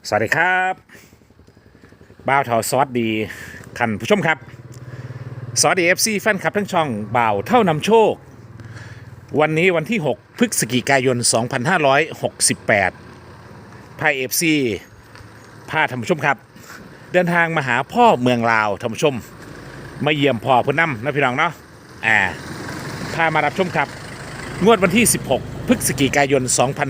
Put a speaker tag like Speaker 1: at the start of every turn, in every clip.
Speaker 1: สวัสดีครับบ่าวเท่าซอสดีท่านผู้ชมครับสวัสดีFCแฟนคลับทั้งช่องบ่าวเท่านำโชควันนี้วันที่6พฤศจิกายน2568พาย FC พาท่านผู้ชมครับเดินทางมาหาพ่อเมืองลาวท่านผู้ชมมาเยี่ยมพ่อเพื่อนนำนะพี่น้องเนาะพามารับชมครับงวดวันที่16พฤศจิกายน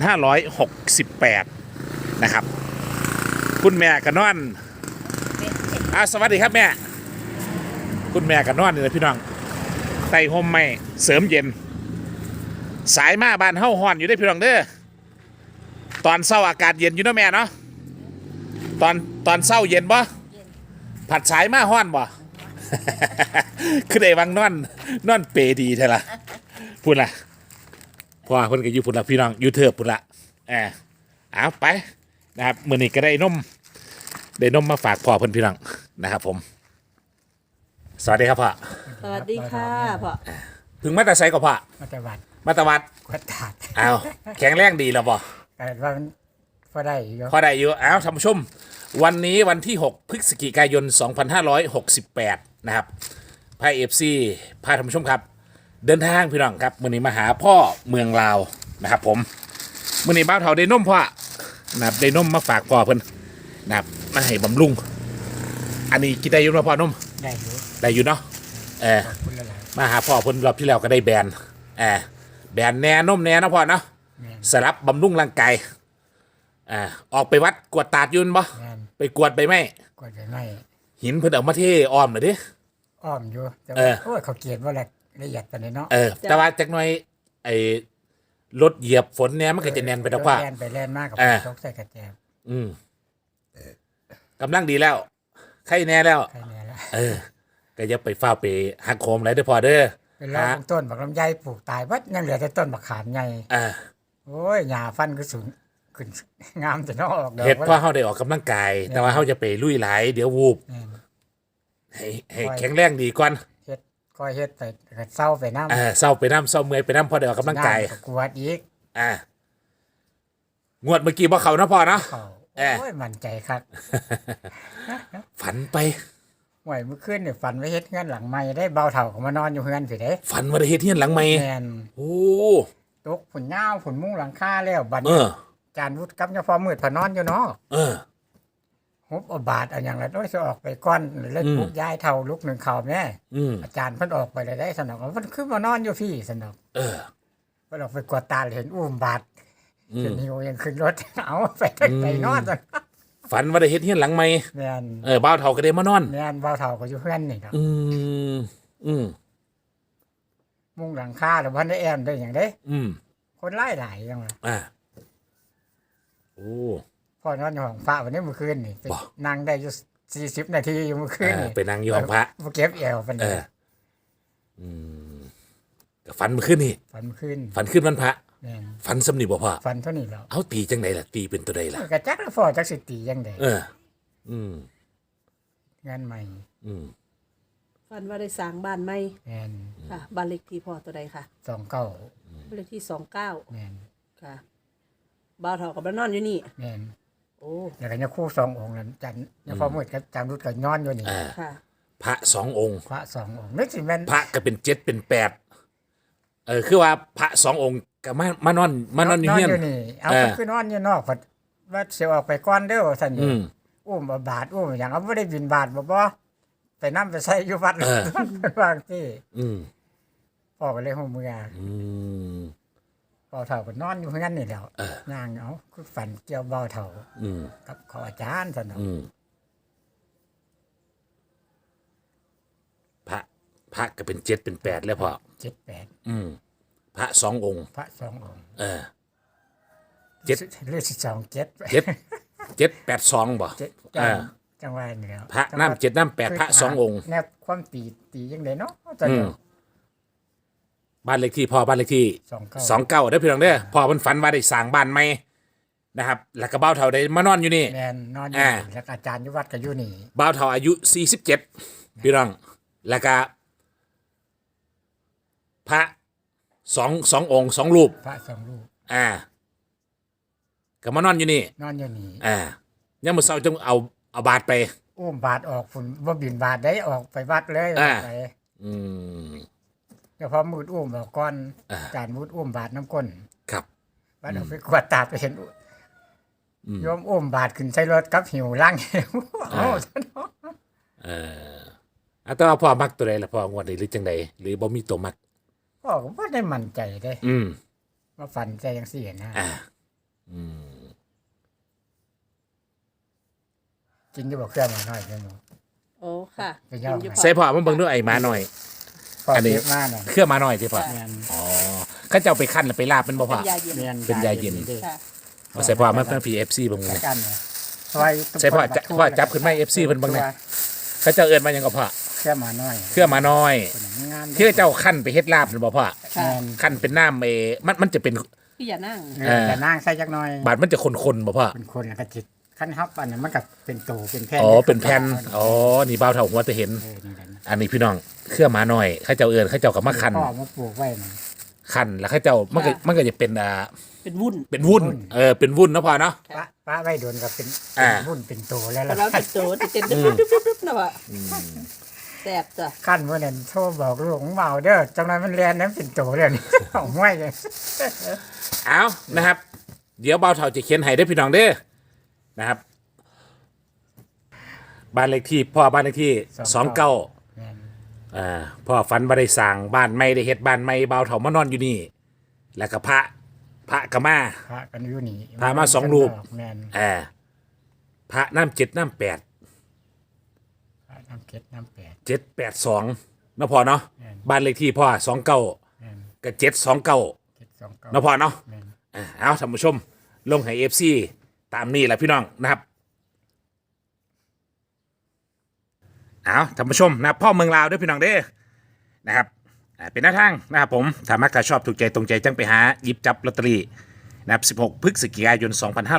Speaker 1: 2568นะครับคุณแม่กันนอนสวัสดีครับแม่คุณแม่กันนอนนี่นะพี่น้องไต่ห่มไม่เสริมเย็นสายมาบ้านเฮ้าฮ้อนอยู่ได้พี่น้องเด้อตอนเช้าอากาศเย็นอยู่นะแม่เนาะตอนเช้าเย็นบ่ผัดสายมาฮ้อนบ่ คือได้วังนอนเปดีเท่าละพูดละพ่อคนก็อยู่พูดละพี่น้องอยู่เถิบพูดละเอาไปนะครับมื้อนี้ก็ได้นมมาฝากพ่อเพิ่นพี่น้องนะครับผมสวัสดีครับพ่อ
Speaker 2: สวัสดีค่ะพ่อ
Speaker 1: ถึงมาแต่ไสก็พ่อ
Speaker 3: มาตวัด
Speaker 1: มาตวัด
Speaker 3: กวดตาด
Speaker 1: เอาแข็งแรงดีแล้วบ่
Speaker 3: แต่ว่ามันพอได้อยู่
Speaker 1: พอได้อยู่เอาท่านผู้ชมวันนี้วันที่6พฤศจิกายน2568นะครับพา FC พาท่านผู้ชมครับเดินทางพี่น้องครับมื้อนี้มาหาพ่อเมืองลาวนะครับผมมื้อนี้บ่าวเฒ่าได้นมพ่อนะครับได้นมมาฝากพ่อเพิ่นนะครับมาให้บำรุงอันนี้กินได้อยู่เนาะพ่อนม
Speaker 3: ได้อยู่
Speaker 1: เนาะ
Speaker 3: ขอบคุณหลาย
Speaker 1: มาหาพ่อเพิ่นรอบที่แล้วก็ได้แบนแบนแหน่นมแหน่นะพ่อเนาะสลับบำรุงร่างกายออกไปวัดกวดตาดยืนบ่ไปกวดไปไหม
Speaker 3: กวดไปไหม
Speaker 1: หินเพิ่นเอามาเทอ้อมหน่อยดิ
Speaker 3: อ้อมอยู่แต่โอ้ยเขาเกลียดว่าละเอียดปานนี้เนาะ
Speaker 1: แต่ว่าจักหน่อยไอ้รถเหยียบฝนเนี่ยมันก็จะแน่นไปดอกว่า
Speaker 3: แล่นไปแล่นมากกับตกใส่กระแจ
Speaker 1: กำลังดีแล้วใครแน่แล้ว
Speaker 3: ใครแน่แล้ว
Speaker 1: ก็อย่าไปฟ้าไปหักโคมอะไรเด้อพ่อเด้อ
Speaker 3: เป็นลำต้นบักลำไยปลูกตายวัดยังเหลือแต่ต้นบักขามใหญ่โอ้ยหญ้าฟันก็สูงขึ้นงามจะนอก
Speaker 1: เฮ็ดเพราะเฮาได้ออกกำลังกายแต่ว่าเฮาจะไปลุยหลายเดี๋ยววูบให้แข็งแรงดีก่อน
Speaker 3: เฮ็ดค่อยเฮ็ดไปเศร้าไปน้
Speaker 1: ำเศร้าไปน้ำเศร้าเมื่อยไปน้ำพอได้ออกกำลังกาย
Speaker 3: กวดอีก
Speaker 1: งวดเมื่อกี้บ่เข้านะพ่อเนาะ
Speaker 3: โอ้ยมั่นใจครับ
Speaker 1: ฝันไป
Speaker 3: ห่วยเมื่อคืนเนี่ยฝันว่าเฮ็ดเฮือนหลังใหม่ได้เบาเฒ่าก็มานอนอยู่เฮือนสิเด้
Speaker 1: ฝันว่าได้เฮ็ดเฮือนหลังใหม่
Speaker 3: แม่น
Speaker 1: โอ้
Speaker 3: ตกฝนยาวฝนมุ้งหลังคาแล้วบัดจานวุฒิกับยาพอมืดพอนอนอยู่เนาะฮบเอาบาทเอาอย่างละโอ้ยสิออกไปก่อนเลยปลุกย้ายเฒ่าลุกหนึ่งข่าวแม่อาจารย์เพิ่นออกไปได้สนอกเพิ่นคือมานอนอยู่พี่สนอกเพิ่นออกไปกวาดตาเห็นอุ้มบาทเห็นหิวยังขึ้นรถเอาไปนอนซั่น
Speaker 1: ฝันว่าได้เฮ็ดเฮือนหลังใหม่
Speaker 3: แม่น
Speaker 1: บ่าวเฒ่าก็ได้มานอน
Speaker 3: แม่นบ่าวเฒ่าก็อยู่เฮือนนี่ครับมุ้งหลังคาแล้วบ่ได้แอมได้หยังเด้คนหลายจังว่า
Speaker 1: โอ้
Speaker 3: พ่อนอนอยู่ห้องพระวันนี้เมื่อคืนนี่นั่งได้อยู่40นาทีอยู่เมื่อคืนนี่
Speaker 1: ไปนั่งอยู่ห้องพระ
Speaker 3: บ่เก็บแอวปานใด
Speaker 1: ก็ฝันเมื่อคืนนี่
Speaker 3: ฝันเมื่อคืน
Speaker 1: ฝันคืนวันพระฝันสำนีบ่พ่อ
Speaker 3: ฝันเท่านี้แล้ว
Speaker 1: เอาตีจังไดล่ะตีเป็นตัวใดล่ะ
Speaker 3: ก็จักแล้วพ่อจักสิตีจังไดงานใหม่
Speaker 2: ฝันว่าได้สร้างบ้านใหม่
Speaker 3: แม่น
Speaker 2: ค่ะบ้านเลขที่พ่อตัวใดค่ะ
Speaker 3: 29
Speaker 2: บ้านเลขที่29
Speaker 3: แม่น
Speaker 2: ค่ะบ่าวเฒ่ากับบ้านนอนอยู่นี่
Speaker 3: แม่น
Speaker 2: โอ้
Speaker 3: แล้วก็ยังคู่2องค์นั้นจันยังพอมืดกับจางรุดก็นอนอยู่นี่
Speaker 2: ค่ะ
Speaker 1: พระ2องค์
Speaker 3: พระ2องค์นึกสิแม่น
Speaker 1: พระก็เป็น7เป็น8คือว่าพระ2องค์ก็มานอนอยู่เฮียน
Speaker 3: นี่เอาคือนอนอยู่นอกว่าสิออกไปก่อนเด้อซั่นอยู่อุ้มบาทอุ้มหยังเอาบ่ได้บิณบาตบ่ไปนำไปใช้อยู่วัดบางที่พ่อก็เลยฮู้เมื่อเบาเฒ่าก็นอนอยู่เฮือนนี่แหล้วย่างเอาคือฝันเกี่ยวเบาเฒ่ากับขออาจารย์ซั่นเนาะ
Speaker 1: พระก็เป็น7เป็น8แล้วพ่อ
Speaker 3: 7 8
Speaker 1: พระ2องค์
Speaker 3: พระ2องค์
Speaker 1: 7
Speaker 3: หรือ2
Speaker 1: 7 8 2บ่
Speaker 3: จังว่านี่แล้ว
Speaker 1: พระน้ำ7น้ำ8พระ2องค์
Speaker 3: แนวความตีจังได๋เนาะจัง
Speaker 1: บ้านเลขที่พ่อบ้านเลขที่29ได้พี่น้องเด้อพ่อเพิ่นฝันว่าได้สร้างบ้านใหม่นะครับแล้วก็บ่าวเฒ่าได้มานอนอยู่นี่
Speaker 3: แม่นนอนอยู่แล้วอาจารย์อยู่วัดก็อยู่นี่
Speaker 1: บ่าวเฒ่าอายุ47พี่น้องแล้วก็พระ2องค์2รูป
Speaker 3: พระ2รูป
Speaker 1: ก็มานอนอยู่นี่
Speaker 3: นอนอยู่นี่
Speaker 1: ยังมื้อเช้าจังเอาบาทไป
Speaker 3: อุ้มบาทออกฝุ่นบ่บินบาทได้ออกไปวัดเลย
Speaker 1: อ่า
Speaker 3: ไป
Speaker 1: อืม
Speaker 3: เฉพาะมืดอุ้มออกก่อน
Speaker 1: อ่า
Speaker 3: จานมืดอุ้มบาทน้ำก้น
Speaker 1: ครับ
Speaker 3: บัดเอาไปกวาดตาไปเห็นโยมอุ้มบาทขึ้นใช้รถกับหิวล่างหิวโอ้
Speaker 1: แต่ว่าพ่อมักตัวใดล่ะพ่องวดนี้หรือจังใดหรือบ่มีตัวมัก
Speaker 3: พ่อก็บ่ได้มั่นใจเด้
Speaker 1: อืม
Speaker 3: ว่าฝันใจจังซี่นะ
Speaker 1: อ่า อืม
Speaker 3: กินอยู่บ่เครื่องมาหน่อยเด้อหนู
Speaker 2: โอ้ค่ะ
Speaker 3: ไปย่อ
Speaker 2: กินอยู่พอ
Speaker 1: ใส่พ่อมาเบิ่งดูไอ้หมาหน่อย
Speaker 3: พ่อ
Speaker 1: อันนี้
Speaker 3: เก็บมาน่ะ
Speaker 1: เครื่องหมาหน่อยที่พ่อ
Speaker 2: ค่ะ
Speaker 3: แม่น
Speaker 1: อ๋อเขาเจ้าไปคั่นแล้วไปลาบมันบ่พ่อ
Speaker 2: เป็นยาเย็น
Speaker 3: แม่น
Speaker 1: เป็นยาเย็น
Speaker 3: ด้
Speaker 2: ค่ะ
Speaker 1: เอาใส่พ่อมาเพิ่น PFC เบิ่ง
Speaker 3: ใส่
Speaker 1: เลย
Speaker 3: กันเนี่ยซอย
Speaker 1: ใส่พ่อจับขึ้นมา FC เพิ่นเบิ่งเลย เขาเจ้าเอิ้นมาหยังก็พ่อ
Speaker 3: เครื่องมาหน่อย
Speaker 1: เครื่องหมาน้อย
Speaker 3: เป็นอย่างงาม
Speaker 1: ที่เจ้าคั่นไปเฮ็ดลาบนั่นบ่พ่อ
Speaker 3: แม่น
Speaker 1: คั่นเป็นน้ำมันจะเป็น
Speaker 2: พี่อย่านั่ง
Speaker 3: แต่นางใส่จักหน่อย
Speaker 1: บาดมันจะคนๆบ่พ่อ
Speaker 3: เป็นคนแล้วก็จิตขั้นฮับอันนั้นมันก็เป็นโตเป็นแผ่น
Speaker 1: อ๋อเป็นแผ่นอ๋อนี่บ่าวเฒ่าหัวจะเห็น
Speaker 3: นี่แหละนะ
Speaker 1: อันนี้พี่น้องเครื่องหมาน้อยเขาเจ้าเอิ้นเขาเจ้าก็มาคั่น
Speaker 3: พ่อมาปลูกไว้นะ
Speaker 1: คั่นแล้วเขาเจ้ามันก็จะเป็น
Speaker 2: เป็นวุ่น
Speaker 1: เป็นวุ้นเป็นวุ้นเนาะพ่อเนาะ
Speaker 3: ป้าไว้โดนก็เป็น
Speaker 1: อ่า
Speaker 3: รุ่นเป็นโตแล้ว
Speaker 2: แต่
Speaker 3: ล่ะ
Speaker 2: เราติดโตติดเต้นดึ๊บๆๆๆนะวะแสบจ้ะ
Speaker 3: ขั้นเมื่อนั้นโทรบอกลูกของเบาเด้อจังนั้นมันแลนนั้นเป็นโตเลยนี่ เอาห้วยเลย
Speaker 1: เอานะครับ เดี๋ยวบ่าวเฒ่าจะเขียนให้ได้อพี่น้องเด้อนะครับ บ้านเลขที่พ่อบ้านเลขที่29
Speaker 3: แม่น
Speaker 1: พ่อฝันบ่ได้สร้างบ้านใหม่ได้เฮ็ดบ้านใหม่บ่าวเฒ่ามานอนอยู่นี่ แล้วก็พระก็มา
Speaker 3: พระกันอยู่นี่
Speaker 1: พามาสองรูป
Speaker 3: แม่น
Speaker 1: พระน้ำ7น้ำ8
Speaker 3: พระน้ำเก็ดน้ำแปด
Speaker 1: 782เนาะพ่อเนาะ
Speaker 3: แม่น
Speaker 1: บ้านเลขที่พ่อ29
Speaker 3: แม่น
Speaker 1: กับ729
Speaker 3: เก็ดสองเก้า
Speaker 1: เนาะพ่อเนาะ
Speaker 3: แม่น
Speaker 1: เอาท่านผู้ชม ลงให้ FC ตามนี้แหละพี่น้องนะครับเอาท่านผู้ชมนะครับพ่อเมืองลาวด้วยพี่น้องเด้อนะครับเป็นหน้าทางนะครับผมถ้ามักถ้าชอบถูกใจตรงใจจังไปหาหยิบจับลอตเตอรี่นะครับ16พฤศจิกายน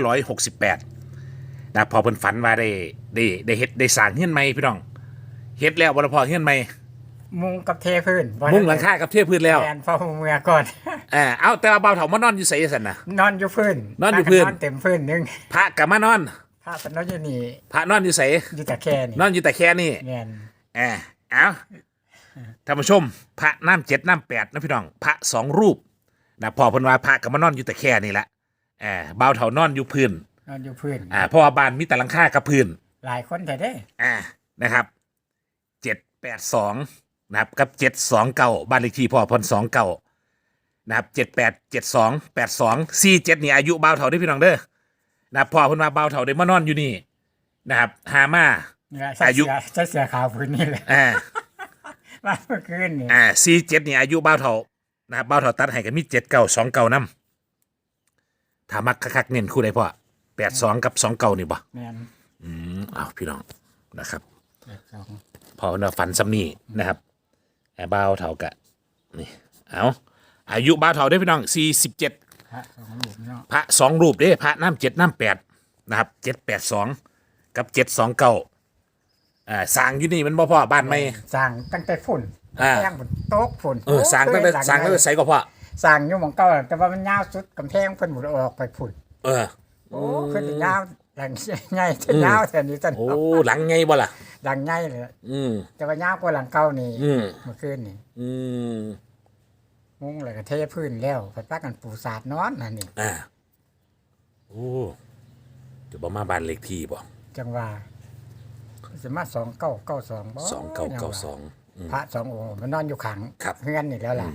Speaker 1: 2568นะครับพอเพิ่นฝันว่าได้เฮ็ดได้สร้างเฮือนใหม่พี่น้องเฮ็ดแล้วบ่ละพอเฮือนใหม่
Speaker 3: มุงกับเทพื้นบ่
Speaker 1: มุ้งหลังคากับเทพื้นแล้ว
Speaker 3: แม่นพ่อเมื่อก่อน
Speaker 1: เอาแต่ว่าเบาเฒ่ามานอนอยู่ไสซั่นน่ะ
Speaker 3: นอนอยู่พื้น
Speaker 1: นอนอยู่พื้น
Speaker 3: นอนเต็มพื้นหนึง
Speaker 1: พระก็มานอน
Speaker 3: พระเป็นนอนอยู่นี่
Speaker 1: พระนอนอยู่ไส
Speaker 3: อยู่แต่แค่นี่
Speaker 1: นอนอยู่แต่แค่นี้
Speaker 3: แม่น
Speaker 1: เอาท่านผู้ชม พระน้ำ7น้ำ8นะพี่น้อง พระ2รูปนะพอเพิ่นว่าพระก็มานอนอยู่แต่แค่นี่แหละเบาเฒ่านอนอยู่พื้น
Speaker 3: นอนอยู่พื้น
Speaker 1: เพราะว่าบ้านมีแต่หลังคากับพื้น
Speaker 3: หลายคนแต่ได้
Speaker 1: นะครับ782นะครับกับ729บ้านเลขที่พ่อเพิ่น29นะครับ787282 47นี่อายุเบาเฒ่าเด้อพี่น้องเด้อนะครับพ่อเพิ่นว่าเบาเฒ่าได้มานอนอยู่นี่นะครับหามา
Speaker 3: นี่ล่ะใส่
Speaker 1: อายุ
Speaker 3: ใส่เสื้อขาวพื้นนี่แหละ
Speaker 1: อ่า
Speaker 3: มาเมื่อคืนนี่
Speaker 1: 47นี่อายุเบาเฒ่านะครับเบาเฒ่าตัดให้ก็มี7929นำถ้ามักคักๆเน้นคู่ใดพ่อ82กับ29นี่บ่
Speaker 3: แม่น
Speaker 1: เอาพี่น้องนะครับ
Speaker 3: 82
Speaker 1: พอเนาะฝันซ้ำนี่นะครับเบาเฒ่ากะนี่เอาอายุเบาเฒ่าได้อพี่น้อง47
Speaker 3: พระสองรูปเนาะ
Speaker 1: พระ2รูปเด้พระน้ำ7น้ำ8นะครับ782กับ729สร้างอยู่นี่มันบ่พ่อบ้านใหม่
Speaker 3: สร้างตั้งแต่ฝุ่น
Speaker 1: อ่า
Speaker 3: แป้งบนโต๊ะฝุ่น
Speaker 1: สร้างตั้งแต่สร้างตั้งแต่ไสก็พ่อ
Speaker 3: สร้างอยู่หม่องเก่าแต่ว่ามันยาวสุดกำแพงเพิ่นบ่ได้ออกไปฝุ่น
Speaker 1: เออ
Speaker 3: โอ้ขึ้นยาวหลังใหญ่จะยาวแท่นี้ซั่น
Speaker 1: โอ้หลังไงบ่ล่ะ
Speaker 3: หลังใหญ่เลย
Speaker 1: อืม
Speaker 3: แต่ว่ายาวกว่าหลังเก่านี่
Speaker 1: อืม
Speaker 3: เมื่อคืนนี่
Speaker 1: อืม
Speaker 3: มุ้งแล้วก็เทพื้นแล้วไปปักกันปูสาดนอนนั่นนี่
Speaker 1: โอ้จะบ่มาบ้านเลขที่บ่
Speaker 3: จังว่าสิมา2992บ่
Speaker 1: 2992
Speaker 3: พระสององค์มันนอนอยู่ขัง
Speaker 1: ครับ
Speaker 3: เฮือนนี่แล้วล่ะ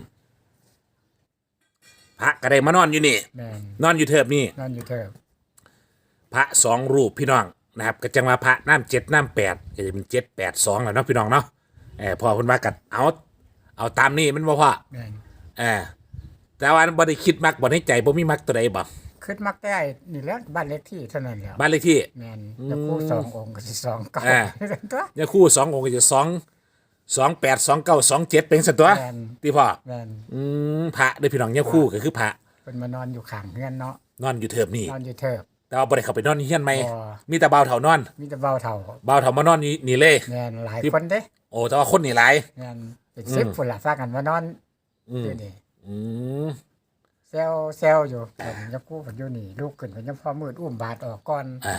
Speaker 1: พระก็ได้มานอนอยู่นี่
Speaker 3: แม่น
Speaker 1: นอนอยู่เทิบนี่
Speaker 3: นอนอยู่เถิบ
Speaker 1: พระ2รูปพี่น้องนะครับก็จังว่าพระน้ำ7น้ำ8ก็จะเป็น782แล้วเนาะพี่น้องเนาะพอเพิ่นว่ากัดเอาตามนี้มันบ่พ่อ
Speaker 3: แม่น
Speaker 1: แต่ว่าบ่ได้คิดมักบ่ในใจบ่มีมักตัวใดบ่
Speaker 3: ขึ้นมักได้นี่แหล้วบ้านเลขที่เท่านั้นแหล้ว
Speaker 1: บ้านเลขที่
Speaker 3: แม่นแล้วคู่สององค์ก็สิ2เก่า
Speaker 1: อ่า
Speaker 3: ตัว
Speaker 1: เนี่ยคู่2องค์ก็จะ28 29 27เป็นสันตัว
Speaker 3: แม่น
Speaker 1: ที่พ่อ
Speaker 3: แม่น
Speaker 1: พระเด้อพี่น้องเนี่ยคู่ก็คือพระ
Speaker 3: เพิ่นมานอนอยู่ข้างเฮือนเนาะ
Speaker 1: นอนอยู่เทิบนี่
Speaker 3: นอนอยู่เถิบ
Speaker 1: แต่ว่าบ่ได้เข้าไปนอนในเฮียนใหม่
Speaker 3: บ่
Speaker 1: มีแต่บ่าวเฒ่านอน
Speaker 3: มีแต่เบาเท่า
Speaker 1: บ่าวเฒ่ามานอนนี่เลย
Speaker 3: แม่นหลายคนเด้
Speaker 1: โอ้แต่ว่าคนนี่หลาย
Speaker 3: แม่นเป็น10พุ่นล่ะฝากกันมานอนอยู่นี่
Speaker 1: อืม
Speaker 3: แซวอยู่เพิ่นยังกู้เพิ่นอยู่นี่ลูกขึ้นเพิ่นยังพอมืดอุ้มบาดออกก่อน
Speaker 1: อ่า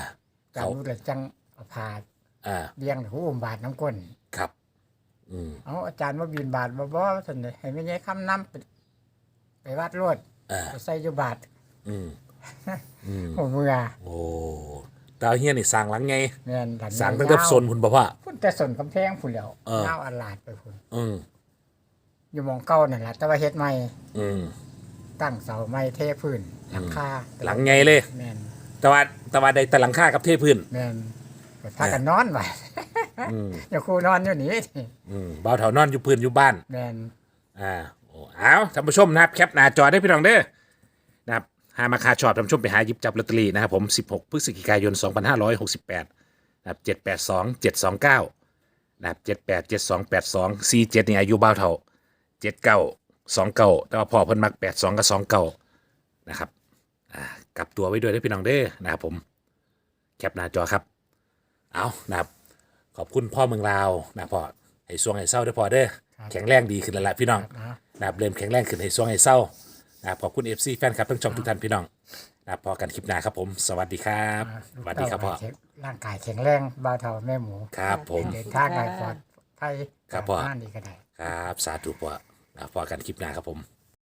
Speaker 3: จานวุฒิเลยจังเอาพา
Speaker 1: อ่า
Speaker 3: เลี้ยงหูอุ้มบาทน้ำก้น
Speaker 1: ครับ
Speaker 3: เอาอาจารย์มาบินบาทบ่ท่านเลยให้ไม่ใช่คำน้ำไปวัดรวด
Speaker 1: อ่า
Speaker 3: ไปใส่อยู่บาท
Speaker 1: อืมอืม
Speaker 3: หัวเมือ
Speaker 1: โอ้ดาวเฮียนี่สร้างหลังไง
Speaker 3: แม่นหลัง
Speaker 1: สร้างตั้งแต่โซนคุณบ่พ่อ
Speaker 3: พุ่นแต่สนกำแพงพุ่นแล้ว
Speaker 1: เออ
Speaker 3: เงาอันลาดไปพุ่น
Speaker 1: อืม
Speaker 3: อยู่หมองเก่านั่นแหละแต่ว่าเฮ็ดใหม่
Speaker 1: อืม
Speaker 3: ตั้งเสาไม้เทพื้นหลังคา
Speaker 1: หลังไงเลย
Speaker 3: แม่น
Speaker 1: แต่ว่าได้แต่หลังคากับเทพื้น
Speaker 3: แม่นไปพากันนอนไว้
Speaker 1: อืม
Speaker 3: อย่าครูนอนอยู่นี่
Speaker 1: เบาเถานอนอยู่พื้นอยู่บ้าน
Speaker 3: แม่น
Speaker 1: โอ้เอาท่านผู้ชมนะครับแคปหน้าจอได้พี่น้องเด้อนะครับหามาคาชอบท่านผู้ชมไปหาหยิบจับลอตเตอรี่นะครับผม16พฤศจิกายน2568นะครับ782 729นะครับ78 72 82 47นี่อายุเบาเถา79 29แต่ว่าพ่อเพิ่นมัก82กับ29นะครับกลับตัวไว้ด้วยได้พี่น้องเด้อนะครับผมแคปหน้าจอครับเอานะครับขอบคุณพ่อเมืองลาวนะพ่อให้สวงให้เศร้าได้อพ่อเด้อแข็งแรงดีขึ้นแล้วล่ะพี่น้อง
Speaker 3: นะ
Speaker 1: นะครับเริ่มแข็งแรงขึ้นให้สวงให้เศร้านะครับขอบคุณ FC แฟนคลับทั้งช่องทุกท่านพี่น้องนะครับพอกันคลิปหน้าครับผมสวัสดีครับสวัสดีครับพ่อ
Speaker 3: ร่างกายแข็งแรงบ่าวเฒ่าแม่หมู
Speaker 1: ครับผม
Speaker 3: เดินทางได้ปลอดภัย
Speaker 1: ครับพ่อ
Speaker 3: งานนี้ก็ได้
Speaker 1: ครับสาธุพ่อนะครับพอกันคลิปหน้าครับผม